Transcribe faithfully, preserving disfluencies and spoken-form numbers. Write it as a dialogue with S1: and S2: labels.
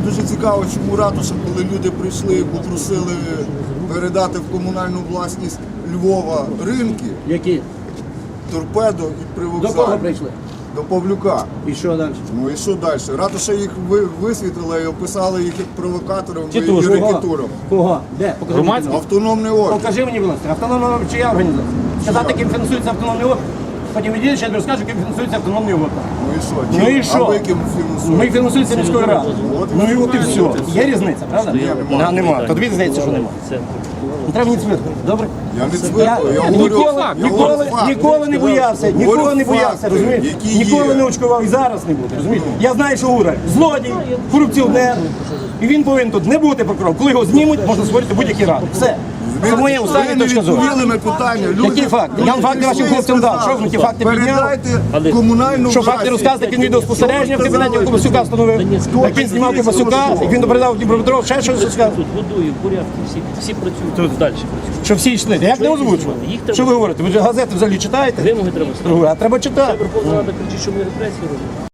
S1: дуже цікаво, чому ратуша, коли люди прийшли і попросили передати в комунальну власність Львова ринки,
S2: Які?
S1: торпедо і
S2: До
S1: привокзаль.
S2: кого прийшли?
S1: До Павлюка.
S2: І що далі?
S1: Ну і що далі? Ратуша їх ви- висвітлила і описали їх як провокатором і
S2: Тітушку.
S1: рекетуром.
S2: Кого? Де? Покажи мені. будь ласка.
S1: Автономний орган.
S2: Покажи мені, будь ласка, автономний орган чия організація? Сказати, ким фінансується автономний орган. Потім відійдеш, я тобі розкажу, ким фінансується автономний орган.
S1: Ну і що?
S2: Ну і
S1: А
S2: що?
S1: ви ким фінансуєте?
S2: Ми фінансується міською радою.
S1: От і
S2: Ну і от і
S1: все.
S2: все. Є різниця, правда?
S1: Ні, нема.
S2: А, нема. То тобі здається, що нема. Не треба мені цвіркати, добре?
S1: Я не
S2: Я,
S1: цвиркаю, я говорю,
S2: ніколи,
S1: я
S2: ніколи,
S1: говорю факти.
S2: ніколи не боявся, ніколи
S1: Говорю
S2: не боявся,
S1: факти,
S2: розумієш?
S1: які
S2: Ніколи
S1: є.
S2: не очкував і зараз не буде, розумієш? Я знаю, що Ура злодій, корупціонер, і він повинен тут не бути прокурором. Коли його знімуть, можна створити будь-які ради. Все. Це моя
S1: Ви
S2: остання
S1: не
S2: точка зору.
S1: відповіли на питання. Люди-
S2: Які факти? Я вам факти вашим
S1: прийшли і
S2: хлопцям дав.
S1: сказали,
S2: Що ви ті факти підняли?
S1: Передайте комунальну
S2: Що факти
S1: власність.
S2: розказувати, як він відеоспостереження в кабінеті Кобасюка встановив, як він знімав Кобасюка, як він передав Дніпропетров, ще щось розказав.
S3: Тут годую, порядки, всі, всі працюють тут далі. Працюють.
S2: Що всі йшли. Як не озвучували?
S3: Їх треба-
S2: Що ви говорите? Ви ж газети взагалі читаєте?
S3: Вимоги треба ставити.
S2: А треба читати.
S3: Верховна Рада кричить, що ми репресії робимо.